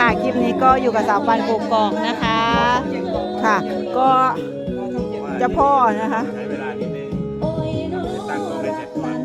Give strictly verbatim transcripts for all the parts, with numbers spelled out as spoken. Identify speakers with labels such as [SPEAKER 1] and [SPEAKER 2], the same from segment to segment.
[SPEAKER 1] ค่ะคลิปนี้ก็อยู่กับสาวปันกกอกนะคะค่ะก็เจ้าพ่อนะคะ
[SPEAKER 2] ใช้เวลานิดนึงตั้งกล้องให้เสร็จก่อน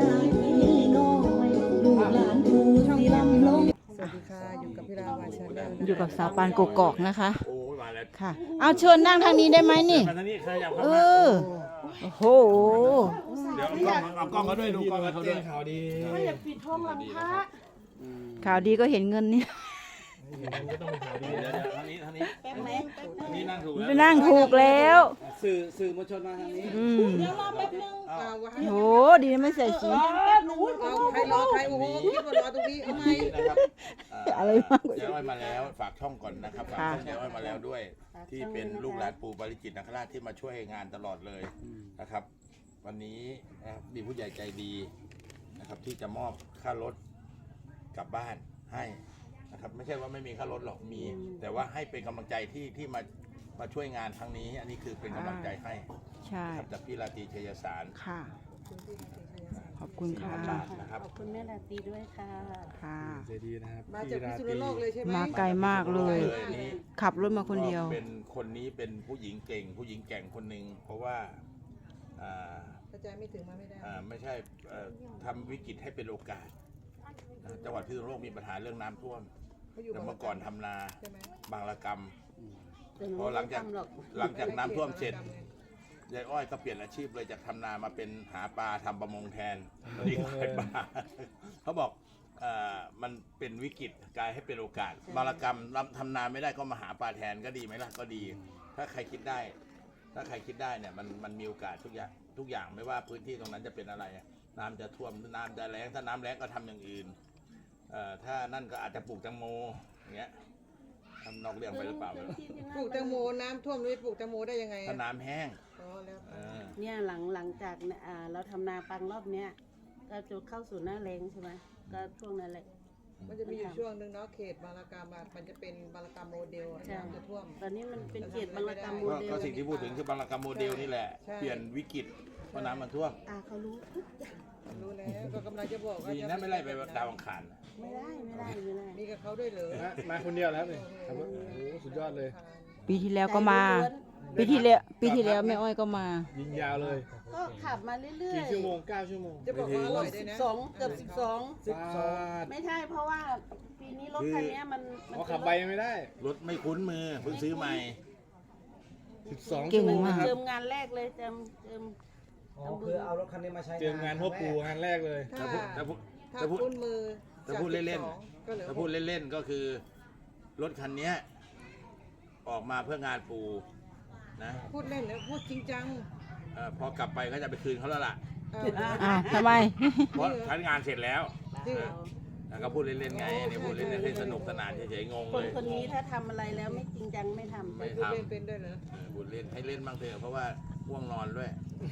[SPEAKER 3] สวัสดีค่ะอยู่กับพี่ราวาชาแนล
[SPEAKER 1] อยู่กับสาวปันกกอกนะคะ
[SPEAKER 2] โอ้ยมาแล้ว
[SPEAKER 1] ค่ะเอาเชิญนั่งทางนี้ได้ไหมนี่
[SPEAKER 2] มาทางนี้ขยับเข้า
[SPEAKER 1] เอ
[SPEAKER 2] มา
[SPEAKER 1] อโอ้โห
[SPEAKER 2] เดี๋ยวเอากล้องเอากล้องเขาด้วยดูกล้องเขาด้วยข่าวดี
[SPEAKER 3] ไม่อยากปิดท้องลำพระ
[SPEAKER 1] ข่าวดีก็เห็นเงินนี่
[SPEAKER 2] มันก็ต้องมีข่าวดีเดี๋ยวเดี๋ยวทางนี้ทางนี้
[SPEAKER 3] แป๊บไหมแป๊บนึง
[SPEAKER 2] นี่นั่งถูก
[SPEAKER 1] ไป
[SPEAKER 2] แล้ว
[SPEAKER 1] นั่งถูกแล้ว
[SPEAKER 4] สื่อสื่อมวลชนมาทางนี้
[SPEAKER 1] อืม
[SPEAKER 3] เดี๋ยวรอแป๊บนึงเอาวะ
[SPEAKER 1] โหดีนะไม่ใส่สี
[SPEAKER 3] แป๊บหนูเอาใครรอใครโอ้โหพี่มารอตรงนี้เอาไหม
[SPEAKER 2] นะครับ
[SPEAKER 1] อะไรมากกว่า
[SPEAKER 2] เจ๊อ้อยมาแล้วฝากช่องก่อนนะครับฝากช่องเจ๊อ้อยมาแล้วด้วย ที่เป็นลูกหลานปู่ปาริจิตนาคราชที่มาช่วยงานตลอดเลยนะครับ วันนี้นะครับมีผู้ใหญ่ใจดีนะครับที่จะมอบค่ารถกลับบ้านให้นะครับไม่ใช่ว่าไม่มีค่ารถหรอกมี แต่ว่าให้เป็นกำลังใจที่ที่มามาช่วยงานครั้งนี้ อันนี้คือเป็นกำลังใจให้
[SPEAKER 1] ใช่
[SPEAKER 2] นะครับจากพี่ราตรีชัยสาร
[SPEAKER 1] ค่ะขอบคุณค่ะ
[SPEAKER 2] บาทนะครับ
[SPEAKER 5] ขอบคุณแม่ลาตรีด้วยค่ะ
[SPEAKER 1] ค่ะ
[SPEAKER 4] เจดีนะครับ
[SPEAKER 3] มาจากพิษณุโลกเลยใช่ไหม
[SPEAKER 1] มาไกลมากเลย
[SPEAKER 2] นี่
[SPEAKER 1] ขับรถมาคนเดียว
[SPEAKER 2] ก็เป็นคนนี้เป็นผู้หญิงเก่ง ผู้หญิงแกร่งคนหนึ่งเพราะว่าอ่า
[SPEAKER 3] กระจายไม่ถึงมาไม่ได้
[SPEAKER 2] อ่าไม่ใช่เอ่อทำวิกฤตให้เป็นโอกาสนะจังหวัดพิษณุโลกมีปัญหาเรื่องน้ำท่วม
[SPEAKER 3] เขาอยู่
[SPEAKER 2] แต่เมื่อก่อนทำนา
[SPEAKER 3] ใช่ไหม
[SPEAKER 2] บางระกำ
[SPEAKER 5] แต่หนู
[SPEAKER 2] พอหลังจาก
[SPEAKER 5] ไม่ทำหรอก
[SPEAKER 2] หลังจากน้ำท่วมเสร็จยายอ้อยก็เปลี่ยนอาชีพเลยจากทำนามาเป็นหาปลาทำประมงแทนตอนนี้ขายปลาเขาบอกเอ่อมันเป็นวิกฤตกลายให้เป็นโอกาสบางระกำทำนาไม่ได้ก็มาหาปลาแทนก็ดีไหมล่ะก็ดี ถ้าใครคิดได้ ถ้าใครคิดได้เนี่ยมันมันมีโอกาสทุกอย่างทุกอย่างไม่ว่าพื้นที่ตรงนั้นจะเป็นอะไร น้ำจะท่วมน้ำจะแล้งถ้าน้ำแล้งก็ทำอย่างอื่นเอ่อถ้านั่นก็อาจจะปลูกแตงโมอย่างเงี้ยทำนอกเรื่องไปหรือเปล่าไม่รู้
[SPEAKER 3] ปลูกแตงโมน้ำท่วมเลยปลูกแตงโมได้ยังไง
[SPEAKER 2] ถ้าน้ำแห้ง
[SPEAKER 3] อ๋อแล้ว
[SPEAKER 2] เออ
[SPEAKER 5] เนี่ยหลังหลังจากเนี่ยอ่าเราทำนาปังรอบเนี้ยก็จะเข้าสู่หน้าแรงใช่ไหมก็ช่วงนั้นแหละ
[SPEAKER 3] มันจะมีอยู่ช่วงหนึ่งเนาะเขตบางระกามอะมันจะเป็นบางระกามโมเดลอะน้ำจะท่วม
[SPEAKER 5] ตอนนี้มันเป็นเขตบางระกรรมโม
[SPEAKER 2] ก็
[SPEAKER 5] เดล
[SPEAKER 2] ก็สิ่งที่พูดถึงคือบางระกำโมเดลนี่แหละ
[SPEAKER 3] ใช่
[SPEAKER 2] เปลี่ยนวิกฤตเพราะน้ำมันท่วม
[SPEAKER 5] อ่าเขารู้ทุกอย่าง
[SPEAKER 3] รู้แล้วก็กำลังจะบอกว่า
[SPEAKER 2] ดีนะไม่ไล่ไปดาวอังคาร
[SPEAKER 5] ไม่ได้ไม่ได้ไม่ได้
[SPEAKER 3] มีกับเขาด้วยเหรอ
[SPEAKER 4] มามาคนเดียวแล้วนี่ขับรถโอ้โหสุดยอดเลย
[SPEAKER 1] ปีที่แล้วก็มา ปีที่แล้วปีที่แล้วแม่อ้อยก็มา
[SPEAKER 4] ยิงยาวเลย
[SPEAKER 5] ก็ขับมาเรื่อย
[SPEAKER 4] กี่ชั่วโมงเก้าชั่วโมง
[SPEAKER 3] จะบอกว่าอร่อยด้วย
[SPEAKER 5] ๆ
[SPEAKER 3] นะ
[SPEAKER 5] สองเกือบสิบสอง
[SPEAKER 4] สิบสอง
[SPEAKER 5] ไม่ใช่เพราะว่าปีนี้รถคันเนี้ยมันมัน
[SPEAKER 4] เพราะขับไปไม่ได้
[SPEAKER 2] รถไม่คุ้นมือเพิ่งซื้อใหม่
[SPEAKER 4] สิบสอง
[SPEAKER 1] เก่ง
[SPEAKER 4] ชั่วโมง
[SPEAKER 1] มาก
[SPEAKER 4] นะครับ
[SPEAKER 5] เติมงานแรกเลยเติมเติม
[SPEAKER 6] อ๋อคือเอารถคันนี้มาใช้
[SPEAKER 4] เตรียมงานพ่อปู่งานแรกเลย
[SPEAKER 3] ถ้า
[SPEAKER 2] ถ้าพูด
[SPEAKER 3] ถ้า
[SPEAKER 2] ถ้าพูด
[SPEAKER 3] คุ้นมือ
[SPEAKER 2] ถ้าพูดเล่น
[SPEAKER 3] ๆก็เหลือ
[SPEAKER 2] ถ้าพูดเล่นๆก็คือ รถคันเนี้ยออกมาเพื่องานปูนะ
[SPEAKER 3] พูดเล่นแล้วพูดจริงจัง
[SPEAKER 2] เออพอกลับไปก็จะไปคืนเขาแล้วล่ะ
[SPEAKER 3] เอา
[SPEAKER 1] อ้าวทำไม
[SPEAKER 2] เพราะใช้งานเสร็จแล้ว
[SPEAKER 3] จริงเหรอ
[SPEAKER 2] แล้วก็พูดเล่นๆไงเนี่ยพูดเล่นๆให้สนุกสนานเฉยๆงง
[SPEAKER 5] ค
[SPEAKER 2] เล
[SPEAKER 5] น
[SPEAKER 2] ย
[SPEAKER 5] คนนี้ถ้าทำอะไรแล้วไม่จริงจังไม่ทำ
[SPEAKER 2] ไม่
[SPEAKER 3] พูด
[SPEAKER 2] ทำ
[SPEAKER 3] เล่นเป็นด้วยเหรอ
[SPEAKER 2] เออพูดเล่นให้เล่นบ้างเถอะเพราะว่าง่วงนอนด้วย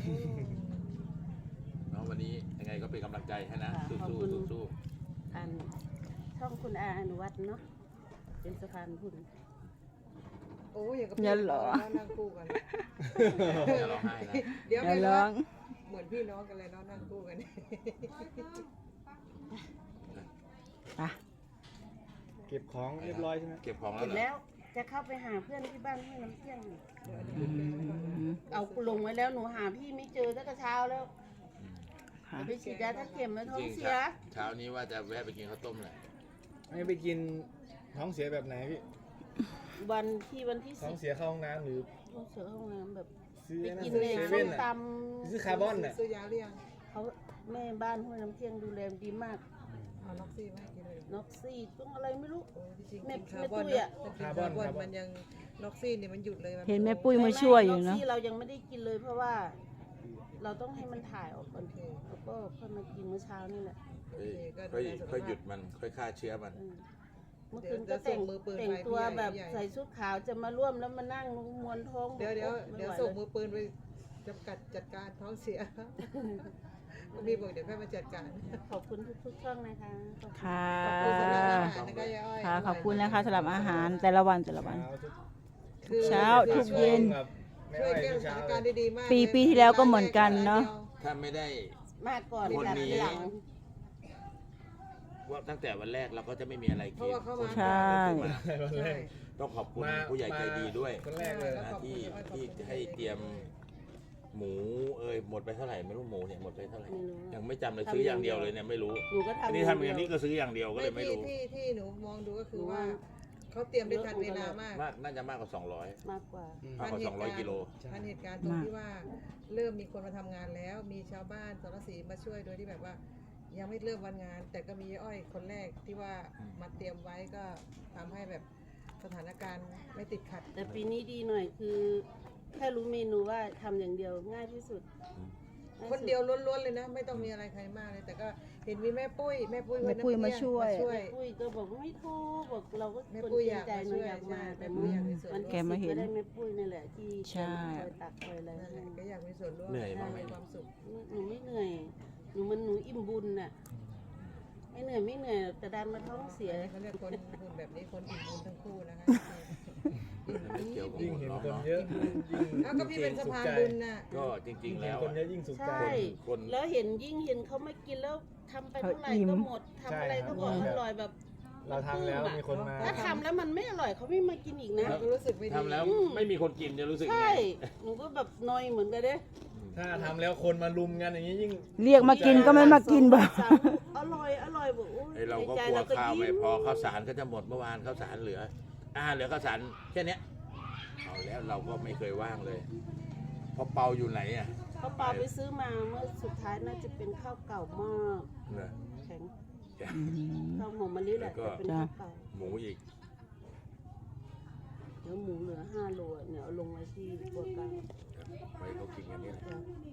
[SPEAKER 2] เนาะวันนี้ยังไงก็เป็นกำลังใจให้นะสู้ๆสู้
[SPEAKER 5] อันช่องคุณอาอนุวัฒน์เนาะเป็นสะพานบุญ
[SPEAKER 3] โอ้ยอย่างกับ
[SPEAKER 1] อย่าหรอ
[SPEAKER 3] แล้วนั่งคู่กัน
[SPEAKER 2] ๆอย่าร้องไห้นะ
[SPEAKER 3] เดี๋ยว
[SPEAKER 1] อย่า
[SPEAKER 3] ไม่
[SPEAKER 1] ร้
[SPEAKER 3] ร้
[SPEAKER 1] อ
[SPEAKER 3] อง งเหมือนพี่น้องกันเลยเนาะนั่งคู่กัน
[SPEAKER 1] ไป
[SPEAKER 4] เก็บของเรียบร้อยใช่ไหม
[SPEAKER 2] เก็บของแล้
[SPEAKER 5] เห็
[SPEAKER 2] วน เหรอ
[SPEAKER 5] แล้วจะเข้าไปหาเพื่อนที่บ้านห้วยน้ำเที่ยงนี่
[SPEAKER 1] อืม
[SPEAKER 5] เอาลงไว้แล้วหนูหาพี่ไม่เจอตั้งแต่เช้าแล้ว
[SPEAKER 1] ค่ะ
[SPEAKER 5] ไปฉีดยาทักเข็มแล้วท้อ
[SPEAKER 2] จ
[SPEAKER 5] ง
[SPEAKER 2] ริง
[SPEAKER 5] เสี
[SPEAKER 2] ๆ
[SPEAKER 5] ย
[SPEAKER 2] เช้านี้ว่าจะแวะไปกินข้าวต้มแหละ
[SPEAKER 4] ไม่ไปกินท้องเสียแบบไหนพี่
[SPEAKER 5] วันที่วันที่
[SPEAKER 4] ท้อ
[SPEAKER 5] สิ
[SPEAKER 4] ง
[SPEAKER 5] บ
[SPEAKER 4] เสียเข้าห้องน้ำหรือ
[SPEAKER 5] ท้องเสียห้องน้ำแบบ
[SPEAKER 4] ซื้อ
[SPEAKER 5] ไป
[SPEAKER 4] ไอ้นั่น
[SPEAKER 5] กิน
[SPEAKER 4] เซ
[SPEAKER 5] ในส้
[SPEAKER 4] เว่น
[SPEAKER 5] ม
[SPEAKER 4] อ่ะ
[SPEAKER 5] ต
[SPEAKER 4] ซื้อคาร์บอนอ่ะ
[SPEAKER 3] ซื้อยาหรือยัง
[SPEAKER 5] ำเขาแม่บ้านห้วยน้ำเที่ยงดูแลดีมาก
[SPEAKER 3] เอาล็อกซี่มาให้กินเลย
[SPEAKER 5] น็อกซี่ต้องอะไรไม่รู้
[SPEAKER 3] โอ้จริงๆ
[SPEAKER 5] แม่
[SPEAKER 3] กินคาร์บอน
[SPEAKER 5] แม่ตุ้ย
[SPEAKER 3] เน
[SPEAKER 5] อะ
[SPEAKER 3] อะแต่กินคาร์บอนมันยังล็อกซี่เนี่ยมันหยุดเลยน
[SPEAKER 1] เห็นแม่ปุ้ยมาช่วยอยู่
[SPEAKER 5] น็
[SPEAKER 1] เนาะ
[SPEAKER 5] อกซี่เรายังไม่ได้กินเลยเพราะว่า เราต้องให้มันถ่ายออกก่อนแล้วก็ค่อยมากินเมื่อเช้านี่แหละ
[SPEAKER 2] ค่อยค่อยค่อยหยุดมันค่อยฆ่าเชื้อมัน
[SPEAKER 5] เออเมื่อคืนก็แต่งแต่งตัวแบบใส่ชุดขาวจะมาร่วมแล้วมานั่งมวนท้อง
[SPEAKER 3] เดี๋ยวเดี๋ยว
[SPEAKER 5] ไม่
[SPEAKER 3] เดี๋ยว
[SPEAKER 5] ไห
[SPEAKER 3] ส่ง
[SPEAKER 5] ล
[SPEAKER 3] มือปืนไปจำกัดจัดการท้องเสียมีบอกเดี๋ยวแค่มาจัดการ
[SPEAKER 5] ขอบคุณทุกๆช่องนะคะขอบคุณ
[SPEAKER 1] ค่ะ
[SPEAKER 3] ขอบคุณสำหรับอาหารนะคะยายอ้อย
[SPEAKER 1] ค่ะขอบคุณนะคะสำหรับอาหารแต่ละวันแต่ละวัน
[SPEAKER 3] คือ
[SPEAKER 1] เช้าทุกเย็น
[SPEAKER 4] กับแม่
[SPEAKER 3] ช่วย
[SPEAKER 4] อ้อย
[SPEAKER 3] แก้
[SPEAKER 4] ทุ
[SPEAKER 3] ส
[SPEAKER 4] กเช้า
[SPEAKER 3] ถาน
[SPEAKER 4] เล
[SPEAKER 3] การ
[SPEAKER 4] ย
[SPEAKER 3] ณ์ดีๆมาก
[SPEAKER 1] ปีปีที่แล้วก็เหมือนกันเนอะ
[SPEAKER 2] ถ้าไม่ได้
[SPEAKER 5] มาก่อน
[SPEAKER 2] คน
[SPEAKER 5] จัด
[SPEAKER 2] นี้
[SPEAKER 5] หลัง
[SPEAKER 2] ว่าตั้งแต่วันแรกเราก็จะไม่มีอะไร
[SPEAKER 3] เพ
[SPEAKER 2] กิ
[SPEAKER 3] ราะ
[SPEAKER 2] น
[SPEAKER 3] ว่าเข้ามา
[SPEAKER 1] ใช่
[SPEAKER 2] มา
[SPEAKER 4] วันแร
[SPEAKER 3] ใช่
[SPEAKER 4] ก
[SPEAKER 2] ต้องขอบคุณ
[SPEAKER 4] มา
[SPEAKER 2] ผู้ใหญ่ใจดีด้วย
[SPEAKER 4] คนแรกเลย
[SPEAKER 2] นะที่ที่ให้เตรียมหมูเอ้ยหมดไปเท่าไหร่ไม่รู้หมูเนี่ยหมดไปเท่าไหร่
[SPEAKER 5] ไม่รู้
[SPEAKER 2] ยังไม่จำเลยซื้ออย่างเดียวเลยเนี่ยไม่รู้
[SPEAKER 5] หนูก็ทำ
[SPEAKER 2] อันนี้ทำอย่างนี้ก็ซื้ออย่างเดียวก็เลย
[SPEAKER 3] ไม่
[SPEAKER 2] ไม่
[SPEAKER 3] ที่
[SPEAKER 2] รู้
[SPEAKER 3] ที่ที่หนูมองดูก็คือว่าเขาเตรียมได้ทันเวลามาก
[SPEAKER 2] มากน่าจะมากกว่าสองร้อย
[SPEAKER 5] มากกว่า
[SPEAKER 2] มากกว่าสองร้อยกิโล
[SPEAKER 3] ทันเหตุการณ์ตรงที่ว่าเริ่มมีคนมาทำงานแล้ว มีชาวบ้านสารสีมาช่วยโดยที่แบบว่า ยังไม่เริ่มวันงาน แต่ก็มีอ้อยคนแรกที่ว่ามาเตรียมไว้ก็ทำให้แบบสถานการณ์ไม่ติดขัด
[SPEAKER 5] แต่ปีนี้ดีหน่อยคือแค่รู้เมนูว่าทำอย่างเดียวง่ายที่สุดง่า
[SPEAKER 3] คนเดียวล้วนๆเลยนะ ไม่ต้องมีอะไรใครมากเลย แต่ก็เห็นมีแม่ปุ้ยแม่ปุ้ย
[SPEAKER 1] แม่ปุ้ย
[SPEAKER 3] วันนั้น
[SPEAKER 1] มาช่วย
[SPEAKER 3] มาช่วย
[SPEAKER 5] ปุ้ยก็บอกว่าไม่โทรบอกเราก็
[SPEAKER 3] แม่
[SPEAKER 5] คน
[SPEAKER 3] ปุ้ย
[SPEAKER 5] เกรงใจ
[SPEAKER 3] อยากมา
[SPEAKER 5] เนาะ
[SPEAKER 3] ช่วย
[SPEAKER 5] อยากมา
[SPEAKER 3] ใช่
[SPEAKER 5] แต่
[SPEAKER 3] แม่ปุ้ยอยากมีส่วนร่วม
[SPEAKER 5] มัน
[SPEAKER 1] แกมาเห็น
[SPEAKER 5] ก็ได้แม่ปุ้ยนี่แหละที่
[SPEAKER 1] ใช่
[SPEAKER 5] คอยตักคอยอะไร
[SPEAKER 3] นั่นแห
[SPEAKER 5] ให้
[SPEAKER 3] ละก็อยากมีส่วนร่วม
[SPEAKER 2] เหนื่อยบ้างไหม
[SPEAKER 3] มีความสุข
[SPEAKER 5] หนูไม่เหนื่อยหนูมันหนูอิ่มบุญน่ะไม่เหนื่อยไม่เหนื่อยแต่ดันมาท้องเสีย
[SPEAKER 3] เขาเรียกคนบุญแบบนี้คนอิ่มบุญทั้งคู่นะคะ
[SPEAKER 2] ไม่เกี่ยวกับ
[SPEAKER 4] ยิ่ง
[SPEAKER 2] หมด
[SPEAKER 4] เห็น
[SPEAKER 2] หรอก
[SPEAKER 4] คน
[SPEAKER 2] เนาะ
[SPEAKER 4] เยอะยิ่ง
[SPEAKER 3] อ้าวก็พี่เป็นสะพาน
[SPEAKER 4] สุขใจ
[SPEAKER 3] บุญน่ะ
[SPEAKER 2] ก็จริง ๆ แล้ว
[SPEAKER 4] คนเย
[SPEAKER 2] อะ
[SPEAKER 4] อะยิ่งสุขใจ
[SPEAKER 5] ใช่
[SPEAKER 2] คน
[SPEAKER 5] แล้วเห็นยิ่งเห็นเขามากินแล้วทำไปเท่าไหร่
[SPEAKER 1] เขาอิ่ม
[SPEAKER 5] ก็หมดทำอะไรก็บอกอร่อยแบบ
[SPEAKER 4] เราทำแล้วมีคนมา
[SPEAKER 5] ถ้าทำแล้วมันไม่อร่อยเขาไม่มากินอีกนะ
[SPEAKER 3] เราก็รู้สึกไม่ดี
[SPEAKER 2] ทำแล้วไม่มีคนกินจะรู้สึกไง
[SPEAKER 5] ใช่ หนูก็แบบนอยเหมือนกันเด้
[SPEAKER 4] ถ้าทำแล้วคนมาลุมกันอย่างนี้ยิ่ง
[SPEAKER 1] เรียกมากินก็ไม่มากินบ่
[SPEAKER 5] สามอร่อยอร่อยบอกโอ้ย
[SPEAKER 2] ไอเราก็
[SPEAKER 5] ในใจ
[SPEAKER 2] กลัว
[SPEAKER 5] ก็
[SPEAKER 2] ข้าวไม่
[SPEAKER 5] ยิ้
[SPEAKER 2] พอข้าวสารก็จะหมดเมื่อวานข้าวสารเหลืออาหารเหลือข้าวสารแค่เนี้ยเอาแล้วเราก็ไม่เคยว่างเลยเพราะเปาอยู่ไหนอ่ะ
[SPEAKER 5] เขาเปาไปซื้อมาเมื่อสุดท้ายน่าจะเป็นข้าวเก่ามาก
[SPEAKER 2] เนอะ
[SPEAKER 5] แข็ง
[SPEAKER 1] อืม
[SPEAKER 5] ข้าวหอมมะลิแหละ
[SPEAKER 2] แล้วก็
[SPEAKER 5] แต่เป็นข้าวเก่า
[SPEAKER 2] หมูอีก
[SPEAKER 5] เดี๋ยวหมูเหลือห้าโลอะเนี่ยเอาลงไว้ที่ตัวกลาง
[SPEAKER 2] ไปเขากินกันนี่แหละ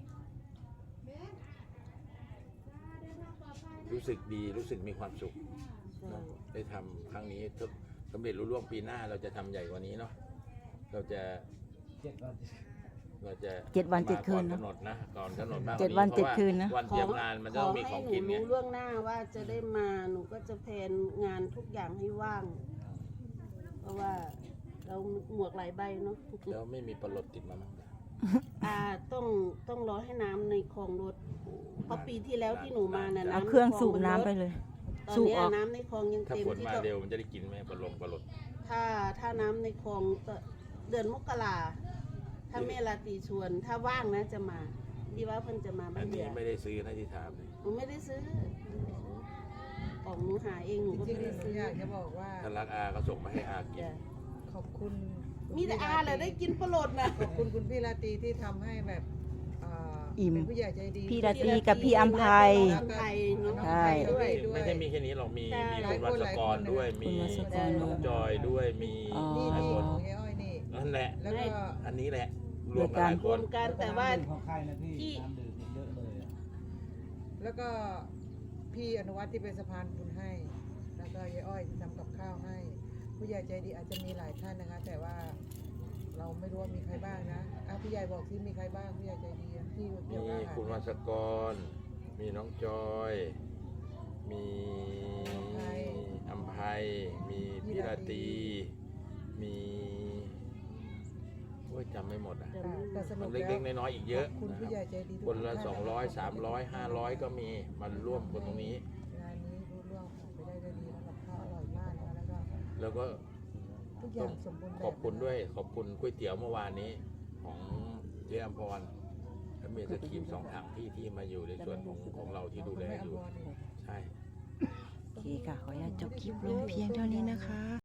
[SPEAKER 2] รู้สึกดีรู้สึกมีความสุข
[SPEAKER 5] ใช่
[SPEAKER 2] เนอะได้ทำครั้งนี้ถ้าสำเร็จรุ่ร่วงปีหน้าเราจะทำใหญ่กว่านี้เนาะเราจะ
[SPEAKER 6] เจ็ดวัน
[SPEAKER 2] เราจะ
[SPEAKER 1] เจ็ดวันเจ็ดคืน
[SPEAKER 2] มา
[SPEAKER 1] นะ
[SPEAKER 2] ก่อนกำหนดนะก่อนกำหนดมากก
[SPEAKER 1] เจ็
[SPEAKER 2] ว่า
[SPEAKER 1] ด
[SPEAKER 2] นี้
[SPEAKER 1] วัน
[SPEAKER 2] เพ
[SPEAKER 1] เจ็ด
[SPEAKER 2] ราะว่า
[SPEAKER 1] คืนนะ
[SPEAKER 2] วันเตรียมงานมันจะต้องมีของกิน
[SPEAKER 5] ข
[SPEAKER 2] ไง
[SPEAKER 5] ให้หนูรู้ล่วงหน้าว่าจะได้มาหนูก็จะแพลนงานทุกอย่างให้ว่าง เพราะว่าเราหมวกหลายใบเนาะ
[SPEAKER 2] แล้วไม่มีปลาหลดติดมาบ้างเหรอ
[SPEAKER 5] อ่าต้องต้องรอให้น้ำในคลองลดเพราะปีที่แล้วที่หนูมาน่ะ
[SPEAKER 1] เอา
[SPEAKER 5] น้ำ
[SPEAKER 1] เครื่อง
[SPEAKER 5] ในล
[SPEAKER 1] สูบ
[SPEAKER 5] มั
[SPEAKER 1] น้ำ
[SPEAKER 5] ลด
[SPEAKER 1] ไปเลย
[SPEAKER 5] ตอน
[SPEAKER 1] สูบ
[SPEAKER 5] เนี้ย
[SPEAKER 1] ออก
[SPEAKER 5] น้ำในคลองยัง
[SPEAKER 2] ถ้า
[SPEAKER 5] เต็ม
[SPEAKER 2] ฝน
[SPEAKER 5] ที่
[SPEAKER 2] มา
[SPEAKER 5] ก็
[SPEAKER 2] เร็วมันจะได้กินไหมปลาลงปลาหลด
[SPEAKER 5] ถ้าถ้าน้ำในคลองก็เดือนมกราถ้าแม่ลาตรีชวน ถ้าว่างนะจะมาที่ว่าเพิ่นจะมา
[SPEAKER 2] อั
[SPEAKER 5] บ้าน น
[SPEAKER 2] นี้
[SPEAKER 5] เดียว
[SPEAKER 2] ไม่ได้ซื้อนะที่ถามเลย
[SPEAKER 5] หนูไม่ได้ซื้อของหนูหาเองหนูก็
[SPEAKER 3] จริ
[SPEAKER 5] ไม่
[SPEAKER 3] งๆหนู
[SPEAKER 5] ได้ซื้อ
[SPEAKER 3] อยากจะบอกว่า
[SPEAKER 2] ถ้ารักอาก็ส่งมาให้อากิน
[SPEAKER 5] จ้ะ
[SPEAKER 3] ขอบคุณ
[SPEAKER 5] มีแต่อาแหละได้กินปลาโหลดนะ
[SPEAKER 3] ขอบคุณคุณพี่ราตรีที่ทำให้แบบเอ่อ
[SPEAKER 1] อิ่ม
[SPEAKER 3] เป็นผู้ใหญ่ใจดี
[SPEAKER 1] พี่ราตรีกับพี่อัมภัย
[SPEAKER 5] อัมภัยเนาะ
[SPEAKER 1] ใช่
[SPEAKER 3] ด้วย
[SPEAKER 2] ไม่ใช่มีแค่นี้หรอกมี
[SPEAKER 5] ใช่
[SPEAKER 2] มีคุณวัชกรด้วย
[SPEAKER 1] คุ
[SPEAKER 2] มี
[SPEAKER 1] ณวัชกร
[SPEAKER 2] น้องจอยด้วยมี
[SPEAKER 1] อ๋อ
[SPEAKER 3] นี่
[SPEAKER 2] หลาย
[SPEAKER 3] นี่
[SPEAKER 2] คน
[SPEAKER 3] ของยายอ้อยนี่
[SPEAKER 2] นั่นแหละ
[SPEAKER 3] แล้วก็
[SPEAKER 2] อันนี้แหละรวมกันหลายค
[SPEAKER 5] รวน มกันแต่ว่า
[SPEAKER 6] ของใครนะพี่
[SPEAKER 5] ที่
[SPEAKER 6] น้ำดื่มเยอะเลยอะ
[SPEAKER 3] แล้วก็พี่อนุวัฒน์ที่เป็นสะพานบุญให้ แล้วก็ยายอ้อยที่ทำกับข้าวให้ ผู้ใหญ่ใจดีอาจจะมีหลายท่านนะคะ แต่ว่าเราไม่รู้ว่ามีใครบ้างนะอ่ะพี่ใหญ่บอกที่มีใครบ้างผู้ใหญ่ใจดีอ่ะที่เกี่ยว
[SPEAKER 2] มี
[SPEAKER 3] กับอาหาร
[SPEAKER 2] คุณวัชกร มีน้องจอย มีอัมภัยมีพี่ราตรีมีโอ้ยจำไม่หมดอ่ะ
[SPEAKER 3] ค่ะแต่ส
[SPEAKER 2] มั
[SPEAKER 3] นุ
[SPEAKER 2] น
[SPEAKER 3] ก
[SPEAKER 2] เล็
[SPEAKER 3] แล้ว
[SPEAKER 2] กๆน้อยๆอีกเยอะ
[SPEAKER 3] ขบคุณ
[SPEAKER 2] นะค
[SPEAKER 3] ผู้
[SPEAKER 2] รับ
[SPEAKER 3] ใหญ่ใจดีทุก
[SPEAKER 2] คนละ
[SPEAKER 3] ท่า
[SPEAKER 2] สองร้อยสามร้อยห้าร้อยก็มีมันร่วมคนตรงนี้
[SPEAKER 3] งานนี้รู้ล่วงผ่านไปได้ด้วยดีแล้วกับข้าวอร่อยมากนะคะแล้วก็
[SPEAKER 2] แล้วก็
[SPEAKER 3] ทุกอย่างสมบูรณ์แบบ
[SPEAKER 2] ขอบคุณด้วยขอบคุณก๋วยเตี๋ยวเมื่อวานนี้ของเจ๊อัมพรและเมียสครีมสองถังที่ที่มาอยู่ในส่วนของของเราที่ดูแลอยู่ ใช่
[SPEAKER 1] โอเคค่ะ ขออนุญาตจบคลิปลงเพียงเท่านี้นะคะ